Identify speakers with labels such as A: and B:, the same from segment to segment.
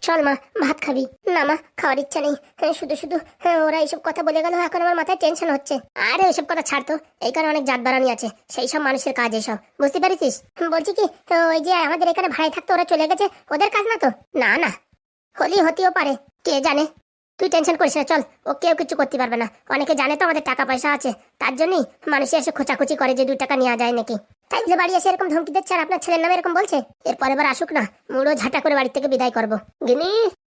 A: চল মা, ভাত খাবি? না মা, খাওয়ার ইচ্ছা নেই। শুধু শুধু ওরা এইসব কথা বলে গেল, এখন আমার মাথায় টেনশন হচ্ছে। আরে ওইসব কথা ছাড়তো, এইখানে অনেক জাত বাড়ানি আছে, সেই সব মানুষের কাজ এইসব, বুঝতে পারিস? বলছি কি, ওই যে আমাদের এখানে ভাড়ায় থাকতো, ওরা চলে গেছে, ওদের কাজ না তো? না না, হতেও পারে, কে জানে। তুই টেনশন করিস না, চল, ও কেউ কিছু করতে পারবে না। অনেকে জানে তো আমাদের টাকা পয়সা আছে, তার জন্যই মানুষ এসে খোঁচাখুচি করে যে 2 টাকা নেওয়া যায় নাকি। তাই যে বাড়ি এসে এরকম ধমকি দিচ্ছে, আর আপনার ছেলের নামে এরকম বলছে। এরপর এবার আসুক না, মুড়ো ঝাঁটা করে বাড়ি থেকে বিদায় করবো। গিনি,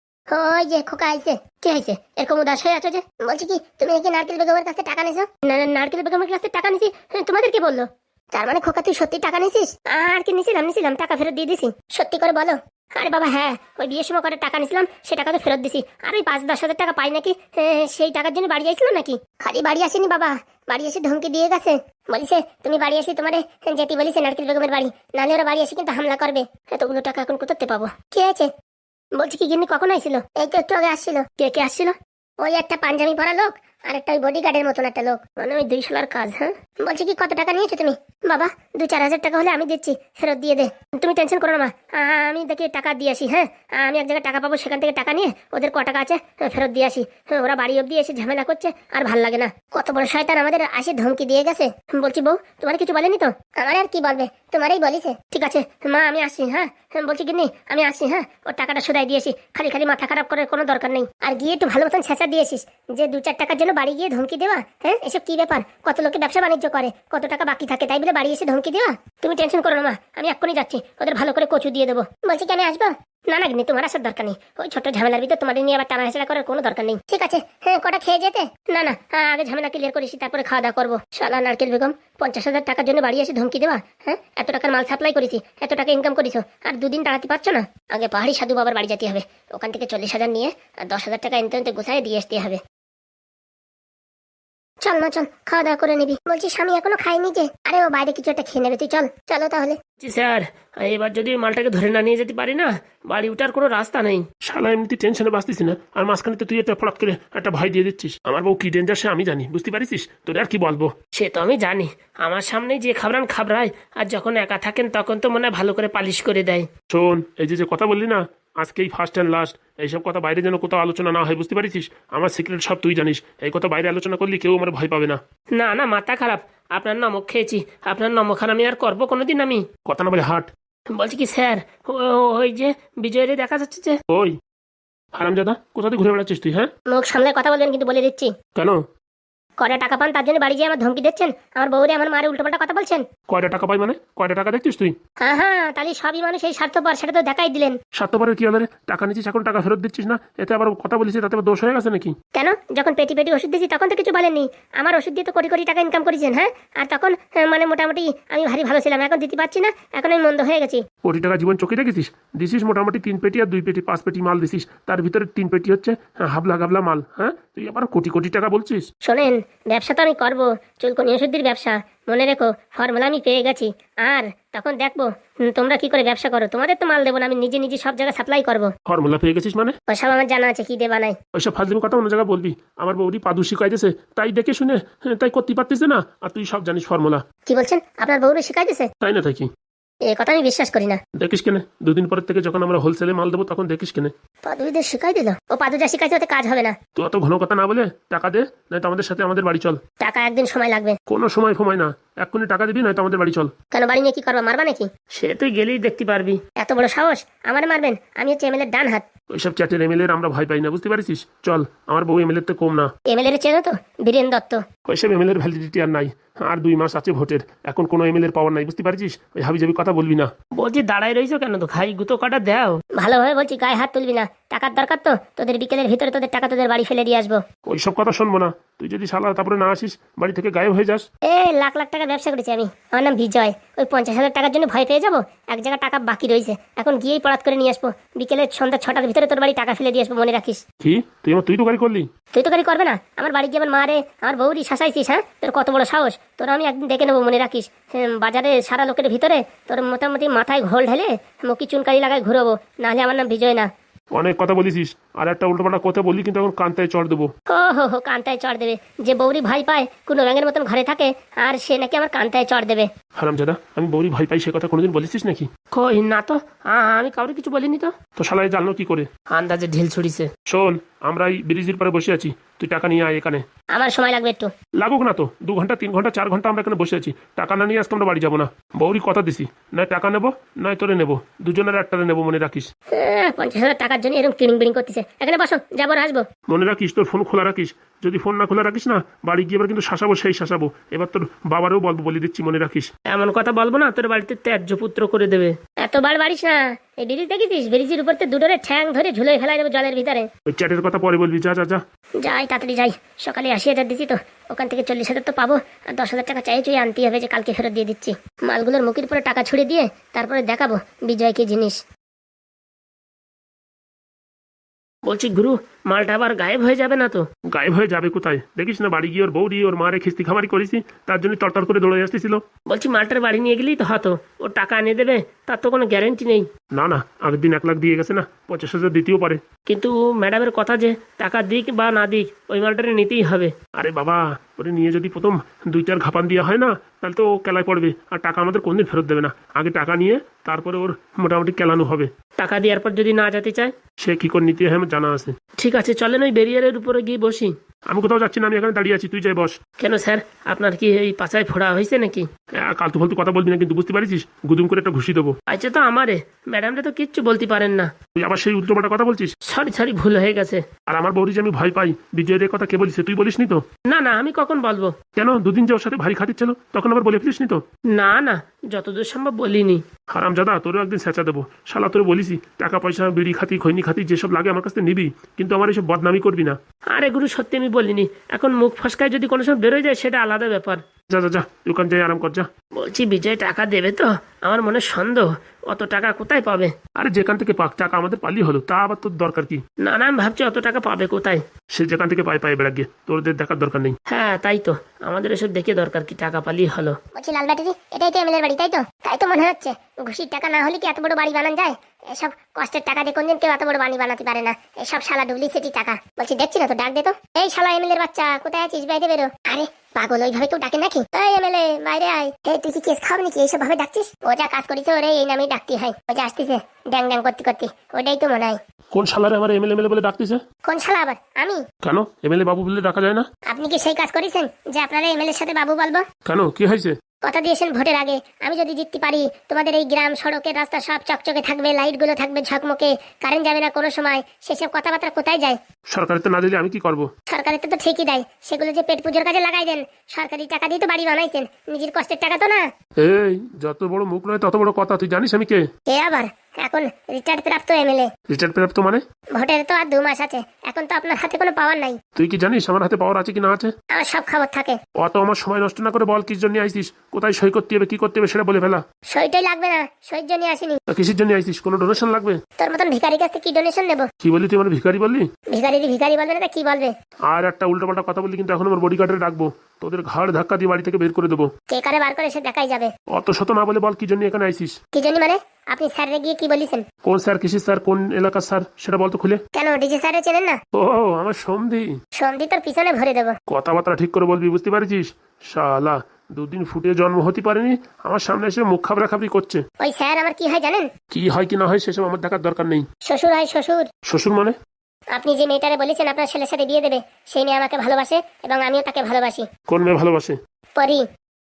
A: ওই যে খোকা আইছে। কি হয়েছে এরকম উদাস হয়ে আছো যে? বলছি কি, তুমি নাকি নারকেল বেগমের কাছে টাকা নিছো? না না, নারকেল বেগমের কাছে টাকা নিছি? তোমাদের কি বললো? তার মানে খোকা তুই সত্যি টাকা নিছিস? আর কি নিছিলাম, টাকা ফেরত দিয়ে দিছি। সত্যি করে বলো। আরে বাবা হ্যাঁ, ওই বিয়ের সময় করে টাকা নিছিলাম, সে টাকা তো ফেরত দিছি। আর ওই 5-10 হাজার টাকা পাই নাকি, সেই টাকার জন্য বাড়ি আইছিল নাকি? খালি বাড়ি আসেনি বাবা, বাড়ি এসে ধমকি দিয়ে গেছে। বলিছে তুমি বাড়ি আসি তোমারে যেতে বলিছে নারকেল বেগমের বাড়ি, নাহলে ওরা বাড়ি এসে কিন্তু হামলা করবে। এতগুলো টাকা এখন কোথাতে পাবো? কি হয়েছে? বলছি কি গিন্নি কখন আইছিল? এই তো একটু আগে আসছিল। কে কে আসছিল? ওই একটা পাঞ্জাবি পরা লোক, আর একটা ওই বডিগার্ডের মতন একটা লোক, মানে ওই 2 সালার কাজ। হ্যাঁ, বলছি কি কত টাকা নিয়েছো তুমি? বাবা 2-4 হাজার টাকা হলে আমি দিচ্ছি, ফেরত দিয়ে দে। তুমি টেনশন করো না মা, আমি দেখি টাকা দিয়ে আসি। হ্যাঁ, আমি এক জায়গায় টাকা পাবো, সেখান থেকে টাকা নিয়ে ওদের টাকা আছে ফেরত দিয়ে আসি। ওরা বাড়ি অব্দি এসে ঝামেলা করছে, আর ভাল লাগে না। কত বড় শয়তান আমাদের আসে ধমকি দিয়ে গেছে। বলছি বউ, তোমার কিছু বলেনি তো? আমার আর কি বলবে, তোমারই বলিছে। ঠিক আছে মা, আমি আসছি। হ্যাঁ, বলছি কি নেই, আমি আসছি। হ্যাঁ, ওর টাকাটা শুধাই দিয়েছি, খালি খালি মাথা খারাপ করার কোনো দরকার নেই। আর গিয়ে একটু ভালো মতন ছেঁচা দিয়েছিস, যে 2-4 টাকার জন্য বাড়ি গিয়ে ধমকি দেওয়া। হ্যাঁ, এসব কি ব্যাপার? কত লোকে ব্যবসা বাণিজ্য করে, কত টাকা বাকি থাকে, তাই বলে বাড়ি এসে ধমকি দেওয়া? তুমি টেনশন করো না মা, আমি এক্ষুনি যাচ্ছি, ওদের ভালো করে কচু দিয়ে দেবো। বলছি কি আমি আসবো? না না গিন্নি, তোমার আসার দরকার নেই। ওই ছোট ঝামেলার ভিতর তোমাদের নিয়ে আবার টানা হেঁচড়া করার কোনো দরকার নেই। ঠিক আছে, হ্যাঁ, কটা খেয়ে যেতে? না না, আগে ঝামেলা ক্লিয়ার করিস, তারপরে খাওয়া দাওয়া করবো। শালা নারকেল বেগম, 50 হাজার টাকার জন্য বাড়ি এসে ধমকি দেওয়া? হ্যাঁ, এত টাকার মাল সাপ্লাই করেছি, এত টাকা ইনকাম করেছো, আর 2 দিন দাঁড়াতে পারছো না? আগে পাহাড়ি সাধু বাবার বাড়ি যেতে হবে, ওখান থেকে 40 হাজার নিয়ে আর 10 হাজার টাকা এনতে গুছাই দিয়ে আসতে হবে। চল না চল, খাওয়া দাওয়া করে নিবি। বলছি স্বামী এখনো খাইনি যে। আরে ও বাইরে কিছু একটা খেয়ে নেবে, তুই চল। চলো তাহলে।
B: স্যার, এবার যদি মালটাকে ধরে না নিয়ে যেতে পারি না, বাড়ি উঠার কোনো রাস্তা নেই।
C: শালা এমনিতে টেনশনে বাঁচতিস না, আর মাঝখানে তো তুই একটা ফলাৎ করে একটা ভয় দিয়ে দিচ্ছিস। আমার বউ কি ডেঞ্জার সে আমি জানি, বুঝতে পারিস? তোর আর কি বলবো?
B: সে তো আমি জানি, আমার সামনেই যে খাবরায়, আর যখন একা থাকেন তখন তো মনে হয় ভালো করে পালিশ করে দেয়।
C: শোন, এই যে কথা বললি না, আজকেই ফার্স্ট অ্যান্ড লাস্ট। এইসব কথা বাইরে যেন কোথাও আলোচনা না হয়, বুঝতে পারিস? আমার সিক্রেট সব তুই জানিস, এই কথা বাইরে আলোচনা করলে কেউ আমার ভয় পাবে না।
B: না না, মাথা খারাপ, আপনার নমক খেয়েছি, আপনার নমখান আমি আর করবো কোনোদিন আমি।
C: কথা না বলে হাট।
B: বলছি কি স্যার, ওই যে বিজয়ের দেখা যাচ্ছে যে।
C: ওই হারামজাদা, কোথা থেকে ঘুরে বেড়াচ্ছিস তুই? হ্যাঁ,
A: মুখ সামলে কথা বলবেন কিন্তু, বলে দিচ্ছি।
C: কেন?
A: কটা টাকা পান তার জন্য বাড়ি যেয়ে আমার ধমকি দিচ্ছেন, আমার বউরে আমার মারে উল্টোপাল্টা কথা বলছেন।
C: কয়টা টাকা পাই মানে? কয়টা টাকা দেখছিস তুই?
A: হ্যাঁ হ্যাঁ, তাহলে সবই মানুষ এই স্বার্থপর, সেটা তো দেখাই দিলেন।
C: স্বার্থপরের কি হলো রে? টাকা নিচ্ছিস, এখন টাকা ফেরত দিচ্ছিস না, এতে আবার কথা বলিস, তাতে আবার দোষ হয়ে গেছে নাকি?
A: কেন? যখন পেটি পেটি ওষুধ দিয়েছি তখন তো কিছু বলেননি। আমার ওষুধ দিয়ে তো কোটি কোটি টাকা ইনকাম করেছেন। হ্যাঁ, আর তখন মানে মোটামুটি আমি ভারী ভালো ছিলাম, এখন দিতে পারছি না, এখন আমি মন্দ হয়ে গেছি।
C: কোটি টাকা জীবন চোখে রেখেছিস? দিছিস মোটামুটি 3 পেটি আর 2 পেটি 5 পেটি মাল দিছিস, তার ভিতরে 3 পেটি হচ্ছে হাবলা গাবলা মাল। হ্যাঁ, তুই আবার কোটি কোটি টাকা বলছিস?
A: শোনেন, ব্যবসা তো আমি করবো, চুলকনি ওষুধের ব্যবসা। মনে রেখো, ফর্মুলা আমি পেয়ে গেছি, আর তখন দেখবো তোমরা কি করে ব্যবসা করো। তোমাদের তো মাল দেবো না, আমি নিজে নিজে সব জায়গায় সাপ্লাই করবো।
C: ফর্মুলা পেয়ে গেছিস মানে?
A: ওসব আমার জানা আছে, কি দেবা নাই।
C: ওইসব ফাজলিম কথা অন্য জায়গায় বলবি। আমার বৌদি পাদু শিখাইতেছে, তাই দেখে শুনে তাই করতে পারতিস না, আর তুই সব জানিস ফর্মুলা।
A: কি বলছেন? আপনার বউরে শিখাই দিছে?
C: তাই না থাকি
A: এ কথা আমি বিশ্বাস করি না।
C: দেখিস কেনে, 2 দিন পরের থেকে যখন আমরা হোলসেলে মাল দেবো তখন দেখিস কেনে।
A: পাদুদের শিখাই দিল? ও পাদু যা শিখাইছে ওতে কাজ হবে না।
C: তুই অত ঘন কথা না বলে টাকা দে, নয়তো আমাদের সাথে আমাদের বাড়ি চল।
A: টাকা একদিন সময় লাগবে।
C: কোনো সময় ফময় না, এক্ষুনি টাকা দিবি, নয়তো আমাদের বাড়ি চল।
A: কেন, বাড়ি নিয়ে কি করবো, মারবা নাকি?
B: সে তুই গেলেই দেখতে পারবি।
A: এত বড় সাহস, আমার মারবেন? আমি হচ্ছে এমএলএর ডান হাত।
C: ওইসব চ্যাটের এমএলএ আমরা ভয় পাই না, বুঝতে পারিস? চল, আমার বউ এমএলএ তে কম না।
A: এমএলএর চেনো তো, বীরেন দত্ত।
C: ওইসব এমএলএর ভ্যালিডিটি আর নাই, আর 2 মাস আছে ভোটের, এখন কোনো এমএলএর পাওয়ার নাই, বুঝতে পারছিস? ওই হাবিজাবি কথা বলবি না।
B: বলছি দাঁড়াই রইছো কেন, তো খাই গুতো কাটা দাও।
A: ভালোভাবে বলছি, গায়ে হাত তুলবি না। টাকার দরকার তো, তোদের বিকেলের ভিতরে তোদের টাকা তোদের বাড়ি ফেলে দিয়ে আসবো।
C: ওইসব কথা শুনবো না, তুই যদি শালা তারপরে না আসিস, বাড়ি থেকে গায়েব হয়ে যাস।
A: লাখ লাখ টাকা ব্যবসা করেছি আমি, আমার নাম বিজয়। ওই 50 হাজার টাকার জন্য ভয় পেয়ে যাবো? এক জায়গায় টাকা বাকি রয়েছে, এখন গিয়েই পড়াত করে নিয়ে আসবো। বিকেলে সন্ধ্যা 6টার ভিতরে তোর বাড়ি টাকা ফেলে দিয়ে আসবো, মনে রাখিস।
C: কি তুই তো গাড়ি করলি?
A: তুই তো গাড়ি করবে না, আমার বাড়ি গিয়ে আমার মারে আমার বউরি শাসাইছিস। হ্যাঁ, তোর কত বড় সাহস! তোর আমি একদিন দেখে নেবো, মনে রাখিস। বাজারে সারা লোকের ভিতরে তোর মোটামুটি মাথায় ঘোল ঢেলে মুখি চুনকারি লাগায় ঘুরবো, নাহলে আমার নাম বিজয় না।
C: অনেক কথা বলিস, আর একটা উল্টোপাল্টা কথা বললি কিন্তু এখন কান্তায় চড় দেবো।
A: হো কান্তায় চড় দেবে? যে বউরি ভয় পায় কোনো ব্যাঙের মতন ঘরে থাকে, আর সে নাকি আমার কান্তায় চড় দেবে।
C: হারামজাদা, আমি বৌরি ভয় পাই সে কথা কোনোদিন বলেছিস নাকি?
B: কই না তো, আমি কাউরে কিছু বলিনি তো।
C: তো শালায় জানলো কি করে?
B: আন্দাজে ঢিল ছুড়িছে।
C: শোন, আমরা এই ব্রিজের পরে বসে আছি, তুই টাকা নিয়ে আয় এখানে।
A: আমার সময় লাগবে একটু।
C: লাগুক না তো, 2 ঘন্টা 3 ঘন্টা 4 ঘন্টা আমরা এখানে বসে আছি, টাকা না নিয়ে আজকে আমরা বাড়ি যাবো না। বৌরি কথা দিছি, নয় টাকা নেবো নয় তোরে নেবো, দুজনের একটারে নেবো, মনে রাখিস।
A: 50,000 টাকার জন্য এরকম কিড়িং বিড়িং করতেছে। এখানে বসো, যাবো আর আসবো।
C: মনে রাখিস তোর ফোন খোলা রাখিস, যদি ফোন না খোলা রাখিস না বাড়ি গিয়ে এবার কিন্তু শাসাবো, সেই শাসাবো। এবার তোর বাবারও বলবো, বলে দিচ্ছি, মনে রাখিস।
B: এমন কথা বলবো না, তোর বাড়িতে ত্যায্য পুত্র করে দেবে।
A: এতবার বাড়িস না। এই ব্রিজ দেখেছিস? ব্রিজের উপর দুটোরে ঠ্যাং ধরে ঝুলে ফেলা যাবে জলের ভিতরে।
C: ওই চ্যাটের কথা পরে বলবি, যা যা যা।
A: যাই তাড়াতাড়ি যাই। সকালে 80,000 দিছি তো, ওখান থেকে 40,000 তো পাবো, আর 10,000 টাকা চাই চুই আনতে হবে, যে কালকে ফেরত দিয়ে দিচ্ছি। মালগুলোর মুখের উপরে টাকা ছুড়ে দিয়ে তারপরে দেখাবো বিজয় কি জিনিস।
B: বলছি গুরু, মালটা আবার গায়েব হয়ে যাবে না তো?
C: গায়েব হয়ে যাবে কোথায়? দেখিস না বাড়ি গিয়ে ওর বৌদি ওর মারে খিস্তি খামারি করেছি, তার জন্য তরতর করে দৌড়ে আসতেছিল।
B: বলছি মালটার বাড়ি নিয়ে গেলেই তো হতো, ও টাকা এনে দেবে, তার তো কোনো গ্যারেন্টি নেই।
C: না না, আগের দিন 1 লাখ দিয়ে গেছে না, 50,000 দিতেও পারে।
B: কিন্তু ম্যাডামের কথা যে টাকা দিক বা না দিক ওই মালটারে নিতেই হবে।
C: আরে বাবা, ওরে নিয়ে যদি প্রথম 2-4 ঘাপান দেওয়া হয় না, তাহলে তো ও কেলায় পড়বে, আর টাকা আমাদের কোনদিন ফেরত দেবে না। আগে টাকা নিয়ে তারপরে ওর মোটামুটি কেলানো হবে।
B: টাকা দেওয়ার পর যদি না যেতে চায়?
C: সে কি করে নিতে হয় আমার জানা আছে।
B: ঠিক আছে, চলেন ওই ব্যারিয়ারের উপরে গিয়ে বসি।
C: আমি কোথাও যাচ্ছি না, আমি এখানে দাঁড়িয়ে আছি, তুই যাই বস।
B: কেন স্যার, আপনার কি এই পাছায় ফোড়া হয়েছে নাকি?
C: কালতু ফালতু কথা বলবি না কিন্তু, বুঝতে পারিস? গুদুম করে একটা ঘুষি দেবো।
B: আচ্ছা তো আমারে, ম্যাডামরা তো কিচ্ছু বলতে পারেন না।
C: তুই আবার সেই উল্টোপাল্টা কথা বলছিস।
B: সরি ভুল হয়ে গেছে।
C: আর আমার বৌরি যে আমি ভয় পাই, বিজয়ের কথা কে বলিস? তুই বলিসনি তো?
B: না না, আমি কখন বলবো?
C: কেন, 2 দিন যে ওর সাথে ভারী খাতির তখন আবার বলে ফেলিসনি তো?
B: না না, যতদূর সম্ভব বলিনি।
C: হারামজাদা, তোরও একদিন স্যাঁচা দেবো। শালা তোর বলিসি, টাকা পয়সা বিড়ি খাতি খৈনি খাতি যেসব লাগে আমার কাছ থেকে নিবি, কিন্তু আমার এইসব বদনামি করবি না।
B: আরে গুরু, সত্যি আমি বলিনি। এখন মুখ ফসকায় যদি কোনো সময় বেরোয় যায় সেটা আলাদা ব্যাপার।
C: যা যা যা, দোকান যাই আরাম কর, যা।
B: বলছি বিজয় টাকা দেবে তো? আমার মনে সন্দেহ, অত টাকা কোথায় পাবে?
C: আরে যেখান থেকে পাক, টাকা আমাদের পালি হলো, তা আবার তোর দরকার কি?
B: না না, আমি ভাবছি অত টাকা পাবে কোথায়।
C: সে যেখান থেকে পায়ে বেড়া গিয়ে, তোদের দেখার দরকার নেই।
B: হ্যাঁ তাই তো, আমাদের এসব দেখে দরকার কি, টাকা পালিয়ে হলো।
A: বলছি লাল ব্যাটারি, এটাই তো এমএলএর বাড়ি, তাই তো? তাই তো মনে হচ্ছে। ঘুষির টাকা না হলে কি এত বড় বাড়ি বানানো যায়? এসব কষ্টের টাকা দিয়ে কোনদিন কেউ এত বড় বাড়ি বানাতে পারে না। এসব শালা ডুপ্লিসিটি টাকা। বলছি দেখছি না তো, ডাক দে তো। এই শালা এমএলএর বাচ্চা, কোথায় আছিস? বাইরে বেরো। আরে পাগল, ওইভাবে কেউ ডাকে নাকি? এই এমএলএ বাইরে আয়। এই তুই কি কেস খাবি নাকি? এইসব ভাবে ডাকছিস? ও যা কাজ করেছে ওরে এই নামেই ডাকতে হয়। ও যা আসতেছে ড্যাং ড্যাং করতে করতে, ওটাই তো মনে হয়।
C: কোন শালারে আমার এমএলএ বলে ডাকতেছে?
A: কোন শালা আবার? আমি?
C: কেন এমএলএ বাবু বলে ডাকা যায় না?
A: আপনি কি সেই কাজ করেছেন যে আপনারা এমএলএর সাথে বাবু বলবো?
C: কেন, কি হয়েছে?
A: কথা দিয়েছেন ভোটের আগে, আমি যদি জিততে পারি তোমাদের এই গ্রাম সড়কের রাস্তা সব চকচকে থাকবে, লাইটগুলো থাকবে ঝকমকে, কারেন্ট যাবে না কোনো সময়। সেসব কথাবার্তা কোথায় যায়?
C: সরকারের তো না দিলে আমি কি করব?
A: সরকারের তো ঠিকই দেয়, সেগুলো যে পেট পুজোর কাজে লাগাই দেন। সরকারি টাকা দিয়ে তো বাড়ি বানাইছেন, নিজের কষ্টের টাকা তো না।
C: এই যত বড় মুখ নয় তত বড় কথা, তুই জানিস আমি কে?
A: কে আবার? এখন রিটায়ার্ড প্রাপ্ত এমএলএ।
C: রিটায়ার্ড প্রাপ্ত মানে?
A: ভোটের তো আর 2 মাস আছে, এখন তো আপনার হাতে কোনো পাওয়ার নাই।
C: তুই কি জানিস আমার হাতে পাওয়ার আছে কি না আছে?
A: আমার সব খবর থাকে।
C: অত আমার সময় নষ্ট না করে বল, কিস জন্য আইসিস, কোথায় সই করতে হবে, কি করতে হবে সেটা বলে ফেলা।
A: সইটাই লাগবে না, সইর জন্য আসিনি।
C: তা কিসের জন্য আইসিস? কোনো ডোনেশন লাগবে?
A: তোর মতন ভিখারি কাছ থেকে কি ডোনেশন নেবো?
C: কি বললি তুই? আমার ভিখারি বললি?
A: ভিখারি ভিখারি বলবে না, কি বলবে?
C: আর একটা উল্টোপাল্টা কথা বললি কিন্তু এখন আমার বডিগার্ডে রাখবো, তোদের ঘাড় ধাক্কা দিয়ে বাড়ি থেকে বের করে দেবো।
A: কে কারে বার করে সে দেখাই যাবে।
C: অত শত না বলে বল, কি জন্য এখানে আইসিস?
A: কি জানি মানে? আপনি স্যারে গিয়ে কি বলেছেন?
C: কোন স্যার, কিসের স্যার, কোন এলাকার স্যার সেটা বলতো খুলে।
A: কেন ডিজে স্যারে চেনেন না?
C: ও আমার সন্ধি।
A: সন্ধি তোর পিছনে ভরে দেবো।
C: কথাবার্তা ঠিক করে বলবি, বুঝতে পারছিস? শালা 2 দিন ফুটে জন্ম হতে পারেনি, আমার সামনে এসে মুখ খাবরা খাবরি করছে।
A: ওই স্যার আমার কি হয় জানেন?
C: কি হয় কি না হয় সেসব আমার দেখার দরকার নেই।
A: শ্বশুর হয় শ্বশুর।
C: শ্বশুর মানে?
A: আপনি যে মেয়েটারে বলেছেন আপনার ছেলের সাথে বিয়ে দেবে, সেই মেয়ে আমাকে ভালোবাসে এবং আমিও তাকে ভালোবাসি।
C: কোন মেয়ে ভালোবাসে?
A: পরি।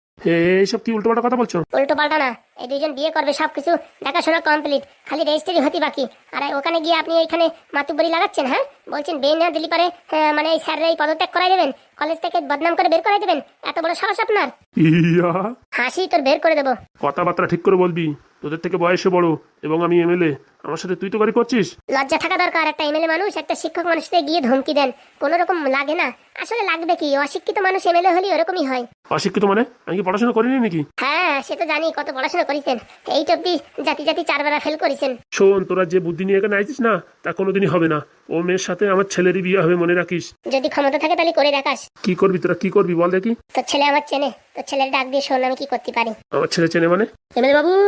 C: এইসব কি উল্টোপাল্টা কথা বলছো?
A: উল্টো পাল্টা না, এই 2জন বিয়ে করবে, সবকিছু দেখাশোনা কমপ্লিট, খালি রেজিস্ট্রি হতে বাকি। আর ওখানে গিয়ে আপনি এইখানে মাতুব্বরি লাগাচ্ছেন। হ্যাঁ বলছেন বিয়ে না দিলি পারে মানে এই স্যারের এই পদত্যাগ করাই দেবেন, কলেজ থেকে বদনাম করে বের করাই দেবেন। এত বড় সাহস আপনার?
C: ইয়া,
A: হাসি তোর বের করে দেবো।
C: কথাবার্তা ঠিক করে বলবি, তোদের থেকে বয়সে বড় এবং আমি এমএলএ, আমার সাথে তুই তো গাড়ি করছিস।
A: লজ্জা থাকা দরকার। একটা এমএলএ মানুষ একটা শিক্ষক মানুষকে গিয়ে ধমকি দেন, কোনো রকম লাগে না? আসলে লাগবে কি, অশিক্ষিত মানুষ এমএলএ হলে ওরকমই হয়।
C: অশিক্ষিত মানে? আমি কি পড়াশোনা করিনি নাকি?
A: হ্যাঁ সে তো জানি, কত পড়াশোনা করেছেন, এই টপি জাতি জাতি 4 বেলা ফেল করেছেন।
C: শোন, তোরা যে বুদ্ধি নিয়ে এখানে আইছিস না, তা কোনোদিনই হবে না। ও মেয়ের সাথে আমার ছেলেরই বিয়ে হবে, মনে রাখিস।
A: যদি ক্ষমতা থাকে তাহলে করে দেখাস।
C: কি করবি তোরা, কি করবি বল দেখি?
A: তোর ছেলে আমার চেনে, তোর ছেলের ডাক দিয়ে শোন আমি কি করতে পারি।
C: আমার ছেলে চেনে মানে?
B: এমএলএ বাবু,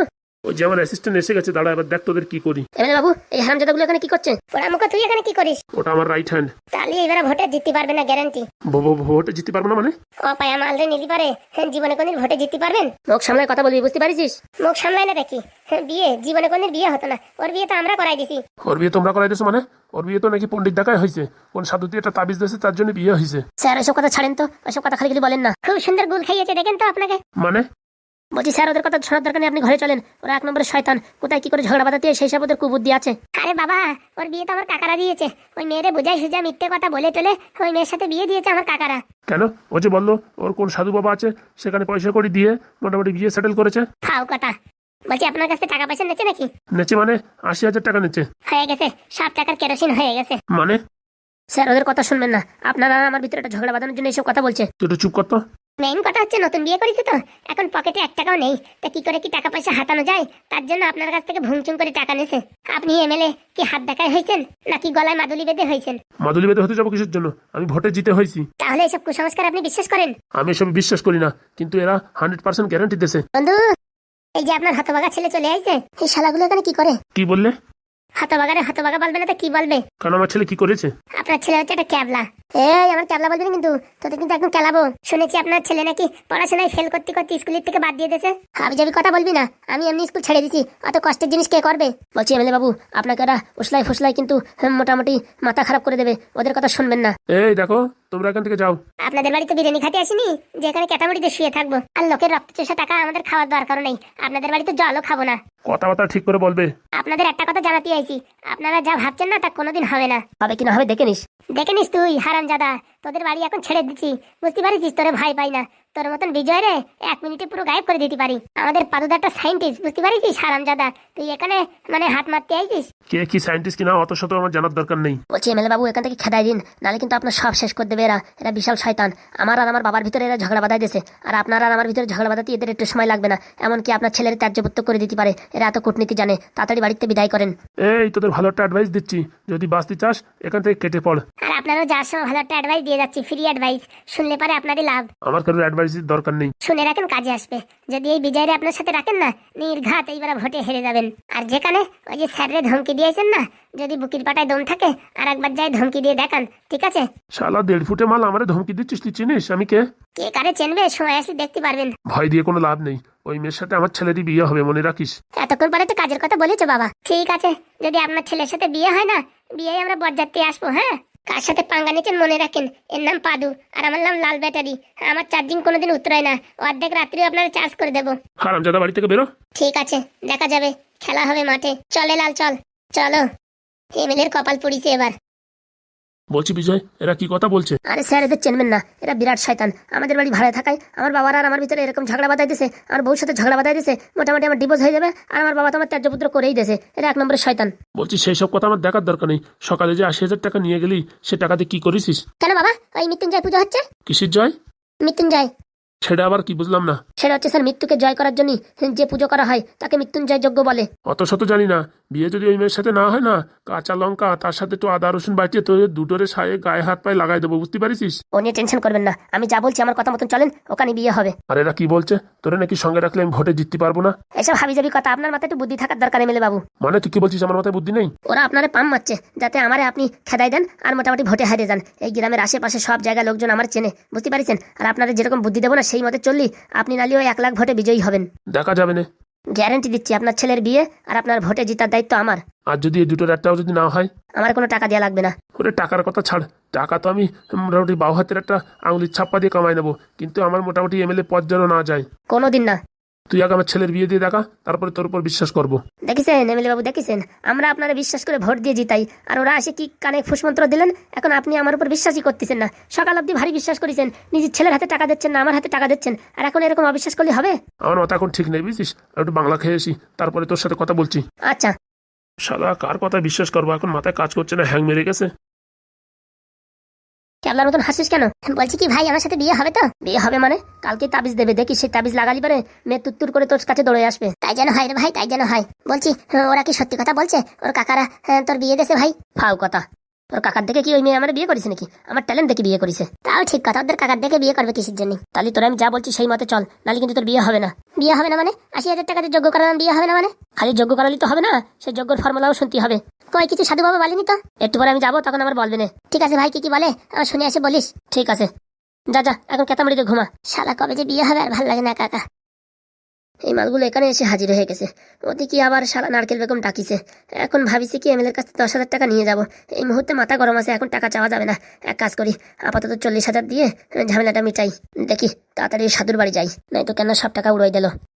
C: ওই যে আমার অ্যাসিস্ট্যান্ট এসে গেছে, দাঁড়া এবার দেখ তোদের কি করি।
A: এমএলএ বাবু, এই হারামজাদাগুলো এখানে কি করছে? পোড়ামুখো, তুই এখানে কি করিস?
C: ওটা আমার রাইট হ্যান্ড।
A: তাহলে এবারে ভোটে জিততে পারবে না, গ্যারান্টি।
C: ভোটে জিততে পারবো না মানে?
A: অপায়া মালরে নিলি পারে, জীবনে কোনদিন ভোটে জিততে পারবেন? মুখ সামলায় কথা বলবি, বুঝতে পারিস? মুখ সামলায় না দেখি, বিয়ে জীবনে কোনদিন বিয়ে হতো না, ওর বিয়ে তো আমরা করাই দিছি।
C: ওর বিয়ে তোমরা করাই দিয়েছো মানে? ওর বিয়ে তো নাকি পণ্ডিত দেখায় হয়েছে, কোন সাধু দিয়ে একটা তাবিজ দিয়েছে তার জন্য বিয়ে হয়েছে।
A: স্যার ওসব কথা ছাড়েন তো, ওসব কথা খালি খালি বলেন না। খুব সুন্দর গুল খাইয়েছে, দেখেন তো আপনাকে।
C: মানে?
A: বলছি স্যার, ওদের কথা শোনার দরকার নেই, আপনি ঘরে চলেন। ওরা এক নম্বরের শয়তান, কোথায় কি করে ঝগড়া বাঁধাতে সেই সব ওদের কুবুদ্ধি আছে। আরে বাবা, ওর বিয়ে তো আমার কাকারা দিয়েছে। ওই মেয়েরে বুঝাই সুঝা মিথ্যে কথা বলে টলে ওই মেয়ের সাথে বিয়ে দিয়েছে আমার কাকারা।
C: কেন? ও যে বললো ওর কোন সাধু বাবা আছে, সেখানে পয়সা করে দিয়ে মোটামুটি বিয়ে সেটেল করেছে।
A: ফাও কথা। বলছি আপনার কাছে টাকা পয়সা নেছে নাকি?
C: নেচে মানে 80,000 টাকা নেচে।
A: হয়ে গেছে, সব টাকার কেরোসিন হয়ে গেছে।
C: মানে?
A: স্যার ওদের কথা শুনবেন না, আপনারা আমার ভিতরে একটা ঝগড়া বাঁধানোর জন্য এইসব কথা বলছে।
C: তুই একটু চুপ করতো।
A: মেইন কথা হচ্ছে নতুন বিয়ে করেছে তো, এখন পকেটে 1 টাকাও নেই, তা কি করে কি টাকা পয়সা হাতানো যায়, তার জন্য আপনার কাছ থেকে ভুংচুং করে টাকা নিয়েছে। আপনি এমএলএ কি হাত দেখায় হয়েছেন নাকি গলায় মাদুলি বেঁধে হয়েছেন?
C: মাদুলি বেঁধে হতে যাবো কিসের জন্য? আমি ভোটে জিতে হয়েছি।
A: তাহলে এসব কুসংস্কার আপনি বিশ্বাস করেন?
C: আমি এসব বিশ্বাস করি না, কিন্তু এরা 100% গ্যারান্টি দিয়েছে।
A: বন্ধু, এই যে আপনার হতবাগা ছেলে চলে আসছে, এই শালাগুলো এখানে কি করে?
C: কি বললে?
A: হতবাগারে হতবাগা বলবে না তো কি বলবে?
C: কারণ আমার ছেলে কি করেছে?
A: আপনার ছেলে হচ্ছে একটা ক্যাবলা। এই আমার ক্যাবলা বলবি না কিন্তু, তোদের কিন্তু একদম ক্যালাবো। শুনেছি আপনার ছেলে নাকি পড়াশোনায় ফেল করতে করতে স্কুলের থেকে বাদ দিয়ে দিয়েছে। হাবি যাবি কথা বলবি না, আমি এমনি স্কুল ছেড়ে দিছি, অত কষ্টের জিনিস কে করবে? বলছি এমএলএ বাবু, আপনাকে ওরা উসলাই ফুসলাই কিন্তু মোটামুটি মাথা খারাপ করে দেবে, ওদের কথা শুনবেন না।
C: এই দেখো, তোমরা এখান থেকে যাও।
A: আপনাদের বাড়িতে বিরিয়ানি খেতে আসিনি যেখানে ক্যাটামরিতে শুয়ে থাকবো, আর লোকের রক্ত চোষা টাকা আমাদের খাওয়ার দরকার নেই। আপনাদের বাড়িতে জলও খাবো না।
C: কথাবার্তা ঠিক করে বলবে।
A: আপনাদের একটা কথা জানাতে আইছি, আপনারা যা ভাবছেন না তা কোনোদিন হবে না। হবে কিনা হবে দেখে নিস। দেখে নিস তুই হারামজাদা, তোদের বাড়ি এখন ছেড়ে দিচ্ছি, বুঝতে পারিস? তোরে ভয় পাই না, তোর মতন বিজয় রে 1 মিনিটে পুরো গায়েব করে দিতে পারি। আমাদের পাদুদা একটা সাইন্টিস্ট, বুঝতে পারিস হারামজাদা? তুই এখানে মানে হাত মারতে আইছিস।
C: কে কি সায়েন্টিস্ট কিনা অত শত আমার জানার দরকার নেই।
A: বলছি এমএলএ বাবু, এখান থেকে খেদাই দিন, নাহলে কিন্তু আপনার সব শেষ করে দেবে এরা। এরা বিশাল শয়তান, আমার আর আমার বাবার ভিতরে এরা ঝগড়া বাঁধাই দিয়েছে, আর আপনার আর আমার ভিতরে ঝগড়া বাঁধাতে এদের একটু সময় লাগবে না, এমনকি আপনার ছেলের ত্যায্যপুত্র করে দিতে পারে। এরা এত কূটনীতি জানে, তাড়াতাড়ি বাড়িতে বিদায় করেন।
C: এই তোদের ভালো একটা অ্যাডভাইস দিচ্ছি, যদি বাঁচতে চাস এখান থেকে কেটে পড়।
A: আর আপনারও যার সময় ভালো একটা অ্যাডভাইস দিয়ে যাচ্ছি, ফ্রি অ্যাডভাইস, শুনলে পারে আপনারই লাভ।
C: আমার কারোর অ্যাডভাইসের দরকার নেই।
A: শুনে রাখেন, কাজে আসবে। যদি এই বিজয়রে আপনার সাথে রাখেন না, নির্ঘাত এইবার ভোটে হেরে যাবেন। আর যেখানে ওই যে স্যাররে ধমকি দিয়েছেন না, যদি বুকির পাটায় দম থাকে আর একবার যাই ধমকি দিয়ে দেখান, ঠিক আছে?
C: শালা 1.5 ফুটে মাল আমারে ধমকি দিচ্ছিস, তুই চিনিস আমি কে?
A: কে কারে চেনবে, সময় আসি দেখতে পারবেন।
C: ভয় দিয়ে কোনো লাভ নেই, ওই মেয়ের সাথে আমার ছেলেরই বিয়ে হবে, মনে রাখিস।
A: এতক্ষণ পরে তো কাজের কথা বলেছো বাবা। ঠিক আছে, যদি আপনার ছেলের সাথে বিয়ে হয় না, বিয়ে আমরা বরযাত্রী আসবো। হ্যাঁ, কার সাথে পাঙ্গা নিচ্ছেন মনে রাখেন, এর নাম পাদু আর আমার নাম লাল ব্যাটারি। আমার চার্জিং কোনোদিন উতরায় না, অর্ধেক রাত্রিও আপনারা চার্জ করে দেবো।
C: হারামজাদা বাড়ি থেকে বেরো।
A: ঠিক আছে, দেখা যাবে, খেলা হবে মাঠে। চলে লাল, চল। চলো, এমএলএর কপাল পুড়িছে এবার।
C: বলছি বিজয়, এরা কি কথা বলছে?
A: আরে স্যার, এদের চেনবেন না, এরা বিরাট শয়তান। আমাদের বাড়ি ভাড়া থাকায় আমার বাবার আর আমার ভিতরে এরকম ঝগড়া বাঁধাই দিয়েছে, আমার বউর সাথে ঝগড়া বাঁধাই দিয়েছে, মোটামুটি আমার ডিভোর্স হয়ে যাবে, আর আমার বাবা তো আমার ত্যায্যপুত্র করেই দিয়েছে। এরা 1 নম্বরের শয়তান।
C: বলছি সেই সব কথা আমার দেখার দরকার নেই, সকালে যে 80,000 টাকা নিয়ে গেলি সে টাকাতে কি করেছিস?
A: কেন বাবা, ওই মৃত্যুঞ্জয় পুজো হচ্ছে।
C: কিসের জয়?
A: মৃত্যুঞ্জয়।
C: সেটা আবার কি বুঝলাম না।
A: সেটা হচ্ছে স্যার মৃত্যুকে জয় করার জন্য যে পুজো করা হয় তাকে মৃত্যুঞ্জয় যজ্ঞ বলে।
C: অত শত জানি না, বিয়ে যদি ওই মেয়ের সাথে না হয় না, কাঁচা লঙ্কা তার সাথে একটু আদা রসুন বাটিয়ে তো দুটোরে সায়ে গায়ে হাত পায়ে লাগাই দেবো, বুঝতে পারিস?
A: ও নিয়ে টেনশন করবেন না, আমি যা বলছি আমার কথা মতন চলেন, ওখানে বিয়ে হবে।
C: আর এরা কি বলছে, তোরে নাকি সঙ্গে রাখলে আমি ভোটে জিততে পারবো না?
A: এসব হাবিজাবি কথা, আপনার মাথায় একটু বুদ্ধি থাকার দরকার এমএলএ বাবু।
C: মানে তুই কি বলছিস আমার মাথায় বুদ্ধি নেই?
A: ওরা আপনারে পাম মারছে যাতে আমারে আপনি খেদাই দেন আর মোটামুটি ভোটে হারিয়ে যান। এই গ্রামের আশেপাশে সব জায়গায় লোকজন আমার চেনে, বুঝতে পারছেন? আর আপনারা যেরকম বুদ্ধি দেবো না সেই মতে চললি আপনি নালি ওই 1 লাখ ভোটে বিজয়ী হবেন।
C: দেখা যাবে না,
A: গ্যারান্টি দিচ্ছি। আপনার ছেলের বিয়ে আর আপনার ভোটে জিতার দায়িত্ব আমার।
C: আর যদি এই দুটোর একটাও যদি না হয়?
A: আমার কোনো টাকা দেওয়া লাগবে না।
C: ওরে টাকার কথা ছাড়, টাকা তো আমি মোটামুটি বাউ হাতের একটা আঙুলির ছাপ্পা দিয়ে কামাই নেবো, কিন্তু আমার মোটামুটি এমএলএ পদ যেন না যায়।
A: কোনোদিন না।
C: তুই আগে আমার ছেলের বিয়ে দিয়ে দেখা, তারপরে তোর উপর বিশ্বাস করবো।
A: দেখেছেন এমএলএ বাবু, দেখেছেন আমরা আপনারা বিশ্বাস করে ভোট দিয়ে জিতাই, আর ওরা আসে কি কানে ফুসমন্ত্র দিলেন। এখন আপনি আমার উপর বিশ্বাসই করতেছেন না। সকাল অবধি ভারী বিশ্বাস করেছেন, নিজের ছেলের হাতে টাকা দিচ্ছেন না, আমার হাতে টাকা দিচ্ছেন, আর এখন এরকম অবিশ্বাস করলে হবে?
C: আমার মাথা এখন ঠিক নেই, বুঝছিস? আর একটু বাংলা খেয়ে আসি, তারপরে তোর সাথে কথা বলছি।
A: আচ্ছা।
C: শালা কার কথা বিশ্বাস করবো, এখন মাথায় কাজ করছে না, হ্যাং মেরে গেছে।
A: ক্যাবলার মতন হাসিস কেন? বলছি কি ভাই, আমার সাথে বিয়ে হবে তো? বিয়ে হবে মানে কালকে তাবিজ দেবে, দেখি সেই তাবিজ লাগালি পারে মেয়ে তুত্তুর করে তোর কাছে দৌড়ে আসবে। তাই যেন হয় রে ভাই, তাই যেন হয়। বলছি ওরা কি সত্যি কথা বলছে? ওর কাকারা তোর বিয়ে দেশে ভাই? ফাও কথা। তোর কাকার দেখে কি ওই মেয়ে আমার বিয়ে করেছে নাকি? আমার ট্যালেন্ট দেখে বিয়ে করেছে। তাও ঠিক কথা, ওদের কাকার দেখে বিয়ে করবে কিসের জন্য? তাহলে তোরা আমি যা বলছি সেই মতে চল, নাহলে কিন্তু তোর বিয়ে হবে না। বিয়ে হবে না মানে? 80,000 টাকাতে যোগ্য করালাম, বিয়ে হবে না মানে? খালি যোগ্য করালি তো হবে না, সেই যোগ্যর ফর্মুলাও শুনতে হবে। কই কিছু সাধু বাবা বলেনি তো? একটু পরে আমি যাবো, তখন আমার বলবে না। ঠিক আছে ভাই, কি বলে আমার শুনে আসে বলিস। ঠিক আছে, যা যা এখন কেতামড়িতে ঘুমা। শালা কবে যে বিয়ে হবে আর ভাল লাগে না কাকা। এই মালগুলো এখানে এসে হাজির হয়ে গেছে। ওদিকে আবার শালা নারকেল বেগম ডাকিছে। এখন ভাবিছি কি এমএলএর কাছে 10,000 টাকা নিয়ে যাব। এই মুহূর্তে মাথা গরম আছে, এখন টাকা চাওয়া যাবে না। এক কাজ করি, আপাতত 40,000 দিয়ে ঝামেলাটা মিটাই। দেখি তাড়াতাড়ি সাধুর বাড়ি যাই, নয়তো কেন সব টাকা উড়াই দিল।